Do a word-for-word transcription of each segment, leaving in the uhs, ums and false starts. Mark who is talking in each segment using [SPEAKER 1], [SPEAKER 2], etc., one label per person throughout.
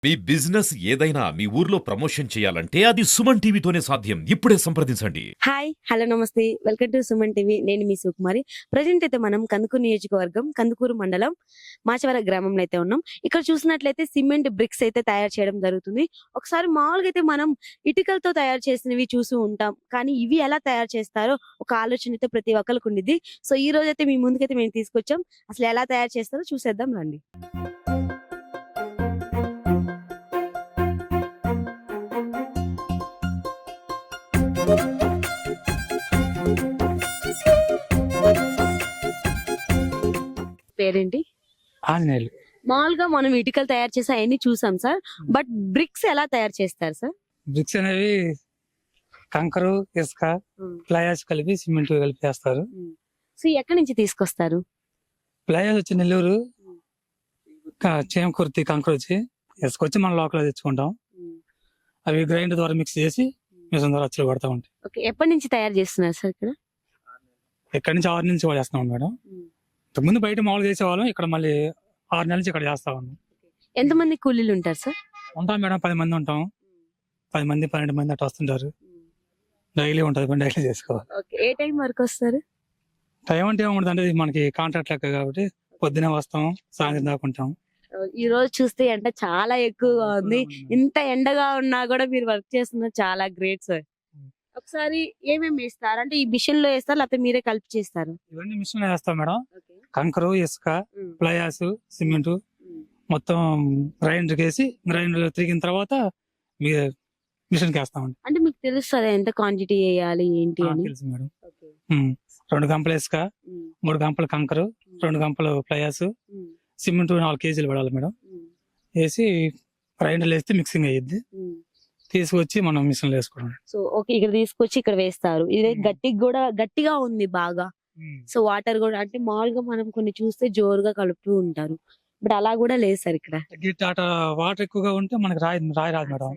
[SPEAKER 1] మీ business ఏదైనా మీ ఊర్లో promotion చేయాలంటే అది సుమన్ టీవీతోనే సాధ్యం. ఇప్పుడే సంప్రదించండి.
[SPEAKER 2] హాయ్ హలో నమస్తే వెల్కమ్ టు సుమన్ టీవీ. నేను మీ సుకుమారి. ప్రజెంట్ అయితే మనం కందుకూరు నియోజకవర్గం కందుకూరు మండలం మాచవర గ్రామంలో అయితే ఉన్నాం. ఇక్కడ చూసినట్లయితే సిమెంట్ బ్రిక్స్ అయితే తయారు చేయడం జరుగుతుంది. ఒకసారి మామూలుగా అయితే మనం ఇటుకలతో తయారు చేసినవి చూసి ఉంటాం, కానీ ఇవి ఎలా తయారు చేస్తారో ఒక ఆలోచన అయితే ప్రతి ఒక్కరికి ఉండిద్ది. సో ఈ రోజు అయితే మీ ముందుకైతే మేము తీసుకొచ్చాం. అసలు ఎలా తయారు చేస్తారో చూసేద్దాం రండి. పేరేంటి?
[SPEAKER 3] ఆంజనేయులు.
[SPEAKER 2] మామూలుగా మనం ఇటుకలు తయారు చేసి అవన్నీ చూసాం సార్, బట్ బ్రిక్స్ ఎలా తయారు చేస్తారు సార్?
[SPEAKER 3] బ్రిక్స్ అనేవి కంకరు, ఇసుక, ప్లయాస్ కలిపి సిమెంట్ కలిపి చేస్తారు.
[SPEAKER 2] సో ఎక్కడి నుంచి తీసుకొస్తారు?
[SPEAKER 3] ప్లయాస్ వచ్చి నెల్లూరు, క- చేమకుర్తి కంకరు వచ్చి ఇసుక వచ్చి మనం లోకల్ తెచ్చుకుంటాం. అవి గ్రైండర్ ద్వారా మిక్స్ చేసి మిషన్ ద్వారా అచ్చులు కొడతా ఉంటాయి.
[SPEAKER 2] ఓకే, ఎప్పటి నుంచి తయారు చేస్తున్నారు సార్ ఇక్కడ?
[SPEAKER 3] ఎక్కడి నుంచి ఆరు నుంచి చేస్తున్నాం మేడం. ముందు బయట మామూలుగా చేసేవాళ్ళం, ఇక్కడ మళ్ళీ ఆరు నెలల నుంచి ఇక్కడ చేస్తా ఉన్నాం.
[SPEAKER 2] ఎంతమంది కూలీలు ఉంటారు సార్?
[SPEAKER 3] ఉంటాం మేడం, పది మంది ఉంటాం. పది మంది పన్నెండు మంది అట్లా వస్తుంటారు. డైలీ ఉంటుంది, డైలీ చేసుకోవాలి.
[SPEAKER 2] ఓకే, ఏ టైం వరకు వస్తారు?
[SPEAKER 3] టైం అంటే ఏముంటుంది అంటే ఇది మనకి కాంట్రాక్ట్ లెక్క కాబట్టి పొద్దునే వస్తాం, సాయంత్రం దాకా ఉంటాం.
[SPEAKER 2] ఈ రోజు చూస్తే ఎండ చాలా ఎక్కువగా ఉంది. ఇంత ఎండగా ఉన్నా కూడా మీరు వర్క్ చేస్తున్నారు, చాలా గ్రేట్ సార్. ఒకసారి ఏమేమి వేస్తారు అంటే ఈ మిషన్ లో వేస్తారు లేకపోతే మీరే కలిపి చేస్తారు?
[SPEAKER 3] ఇవన్నీ మిషన్ వేస్తాం మేడం. కంకరు, ఇసుక, ప్లయాస్, సిమెంట్ మొత్తం గ్రైండర్ వేసి గ్రైండర్ తిరిగిన తర్వాత మిషన్ కి వేస్తామండి.
[SPEAKER 2] అంటే మీకు తెలుస్తుంది ఎంత క్వాంటిటీ వేయాలి ఏంటి అని?
[SPEAKER 3] తెలుసు మేడం. ఉమ్. రెండు గంపలు ఇసుక, మూడు గంపలు కంకరు, రెండు గంపలు ప్లయాస్, సిమెంట్ నాలుగు కేజీలు పడాలి మేడం. వేసి గ్రైండర్ వేస్తే మిక్సింగ్ అయ్యిద్ది. తీసుకొచ్చి మనం మిషన్ వేసుకోవడం.
[SPEAKER 2] సో ఓకే, ఇక్కడ తీసుకొచ్చి ఇక్కడ వేస్తారు. ఇది గట్టిగా కూడా గట్టిగా ఉంది బాగా. సో వాటర్ కూడా అంటే మామూలుగా మనం కొన్ని చూస్తే జోరుగా కలుపుతూ ఉంటారు, బట్ అలా కూడా లేదు సార్ ఇక్కడ.
[SPEAKER 3] వాటర్ ఎక్కువగా ఉంటే మనకి రాయి రాయి రాదు మేడం.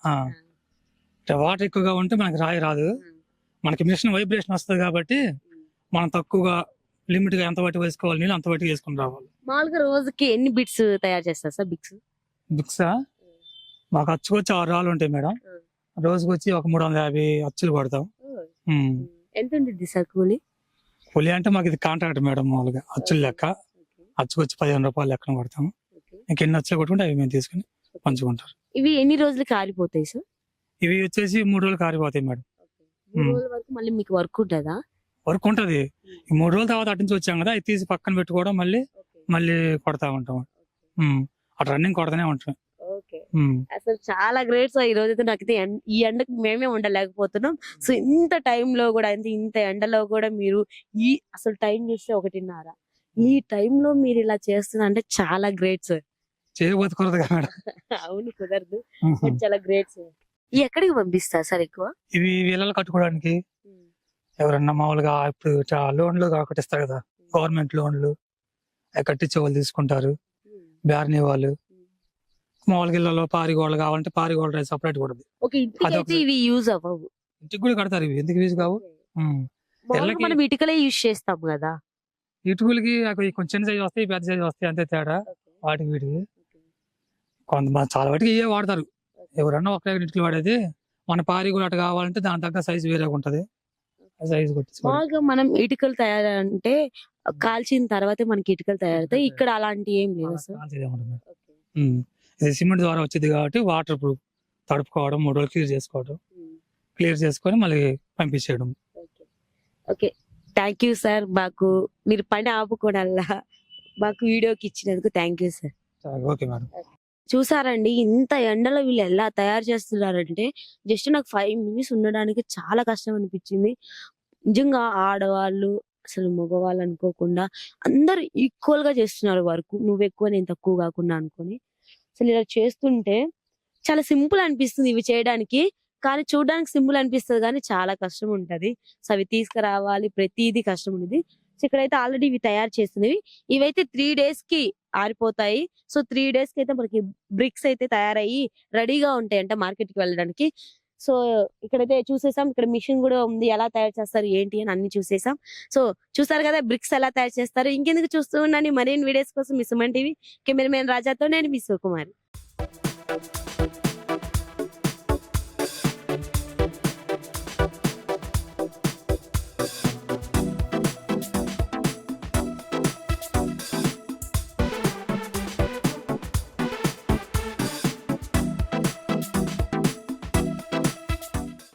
[SPEAKER 3] వాటర్ ఎక్కువగా ఉంటే మనకి రాయి రాదు. మనకి మిషన్ వైబ్రేషన్ వస్తుంది కాబట్టి మనం తక్కువగా లిమిట్ గా ఎంత బట్టి వేసుకోవాలి, నీళ్ళు అంత బట్టి వేసుకుని రావాలి.
[SPEAKER 2] మామూలుగా రోజుకి ఎన్ని బిట్స్ తయారు చేస్తారు సార్? బిక్స్
[SPEAKER 3] బిక్స్ మాకు అచ్చుకు వచ్చి ఆరు రాళ్ళు ఉంటాయి మేడం. రోజుకి వచ్చి ఒక మూడు వందల యాభై అచ్చులు కొడతాం.
[SPEAKER 2] ఎంత ఉంటుంది సార్ కూలి?
[SPEAKER 3] కూలి అంటే మాకు ఇది కాంట్రాక్ట్ మేడం. మామూలుగా అచ్చులు లెక్క అచ్చుకు వచ్చి పదిహేను రూపాయలు లెక్కన కొడతాం. ఇంకెన్ని అచ్చులు కొట్టుకుంటే అవి మేము తీసుకుని పంచుకుంటారు.
[SPEAKER 2] ఇవి ఎన్ని రోజులకి ఆరిపోతాయి సార్?
[SPEAKER 3] ఇవి వచ్చేసి మూడు రోజులు కారిపోతాయి మేడం.
[SPEAKER 2] మూడు రోజుల వరకు మళ్ళీ మీకు వర్క్ ఉంటుందా?
[SPEAKER 3] వర్క్ ఉంటది. ఈ మూడు రోజుల తర్వాత అటు నుంచి వచ్చాం కదా, అది తీసి పక్కన పెట్టుకోవడం, మళ్ళీ మళ్ళీ కొడతా ఉంటాం. అటు రన్నింగ్ కొడతానే ఉంటాం.
[SPEAKER 2] అసలు చాలా గ్రేట్ సార్. ఈ రోజు అయితే నాకైతే ఎం- ఈ ఎండకు మేమే ఉండలేకపోతున్నాం. సో ఇంత టైంలో కూడా ఇంత ఇంత ఎండలో కూడా మీరు ఈ అసలు టైం చూస్తే ఒకటిన్నర, ఈ టైంలో మీరు ఇలా చేస్తున్నా అంటే చాలా గ్రేట్ సార్.
[SPEAKER 3] చేయబోతు కుదరదు కదా మేడం.
[SPEAKER 2] అవును, కుదరదు, బట్ చాలా గ్రేట్ సార్. ఈ ఎక్కడికి పంపిస్తారు సార్ ఎక్కువ?
[SPEAKER 3] ఇవి వీళ్ళని కట్టుకోవడానికి ఎవరన్నా మామూలుగా ఇప్పుడు లోన్లు కట్టిస్తారు కదా, గవర్నమెంట్ లోన్లు అవి కట్టించే వాళ్ళు తీసుకుంటారు. బ్యారనీ వాళ్ళు మామూలుగా ఇళ్ళలో పారిగోళ్ళు కావాలంటే పారిగోళ్ళ సపరేట్ కూడా
[SPEAKER 2] ఓకే, ఇంటికైతే ఇవి యూజ్ అవ్వవు.
[SPEAKER 3] ఇంటికి కూడా కడతారు. ఇవి ఎందుకు యూజ్ కావు?
[SPEAKER 2] మామూలుగా మనం ఇటుకలే యూజ్ చేస్తాం కదా.
[SPEAKER 3] ఇటుకలకి అవి కొంచెం చిన్న సైజు వస్తాయి, పెద్ద సైజు వస్తాయి, అంతే తేడా వాటికి వీటికి. కొంతమంది చాలా వాటికి ఇవే వాడతారు. ఎవరన్నా ఒక ఇటుకలు వాడేది, మన పారి కూడా అటు కావాలంటే దాని తగ్గ సైజు వేరేగా ఉంటది. సైజు కొట్టి
[SPEAKER 2] మామూలుగా మనం ఇటుకలు తయారంటే కాల్చిన తర్వాతే మనకి ఇటుకలు తయారవుతాయి. ఇక్కడ అలాంటి ఏం లేదు సార్.
[SPEAKER 3] ఇది సిమెంట్ ద్వారా వచ్చింది కాబట్టి వాటర్ ప్రూఫ్ తడుపుకోవడం, మూడు రోజులు క్లియర్ చేసుకోవడం, క్లియర్ చేసుకొని మళ్ళీ పంపించేయడం.
[SPEAKER 2] Okay, thank you sir. మాకు మీరు పని ఆపుకోవడాల్లా మాకు వీడియోకి ఇచ్చినందుకు thank you sir.
[SPEAKER 3] Okay madam.
[SPEAKER 2] చూసారండి, ఇంత ఎండలో వీళ్ళు ఎలా తయారు చేస్తున్నారంటే జస్ట్ నాకు ఫైవ్ మినిట్స్ ఉండడానికి చాలా కష్టం అనిపించింది. నిజంగా ఆడవాళ్ళు అసలు మగవాళ్ళు అనుకోకుండా అందరు ఈక్వల్ గా చేస్తున్నారు వర్క్. నువ్వు ఎక్కువ నేను తక్కువ కాకుండా అనుకొని అసలు ఇలా చేస్తుంటే చాలా సింపుల్ అనిపిస్తుంది ఇవి చేయడానికి, కానీ చూడడానికి సింపుల్ అనిపిస్తుంది కానీ చాలా కష్టం ఉంటది. సో అవి తీసుకురావాలి, ప్రతిదీ కష్టం ఉంది. సో ఇక్కడైతే ఆల్రెడీ ఇవి తయారు చేస్తున్నవి, ఇవైతే త్రీ డేస్ కి ఆరిపోతాయి. సో త్రీ డేస్ కి అయితే మనకి బ్రిక్స్ అయితే తయారయ్యి రెడీగా ఉంటాయి అంటే మార్కెట్ కి వెళ్ళడానికి. సో ఇక్కడైతే చూసేసాం, ఇక్కడ మిషన్ కూడా ఉంది, ఎలా తయారు చేస్తారు ఏంటి అని అన్ని చూసేసాం. సో చూసారు కదా బ్రిక్స్ ఎలా తయారు చేస్తారు. ఇంకెందుకు చూస్తూ ఉన్నాను మరిన్ని వీడియోస్ కోసం మీ సుమన్ టీవీ కెమెరామెన్ రాజాతో నేను మీ సుకుమారి.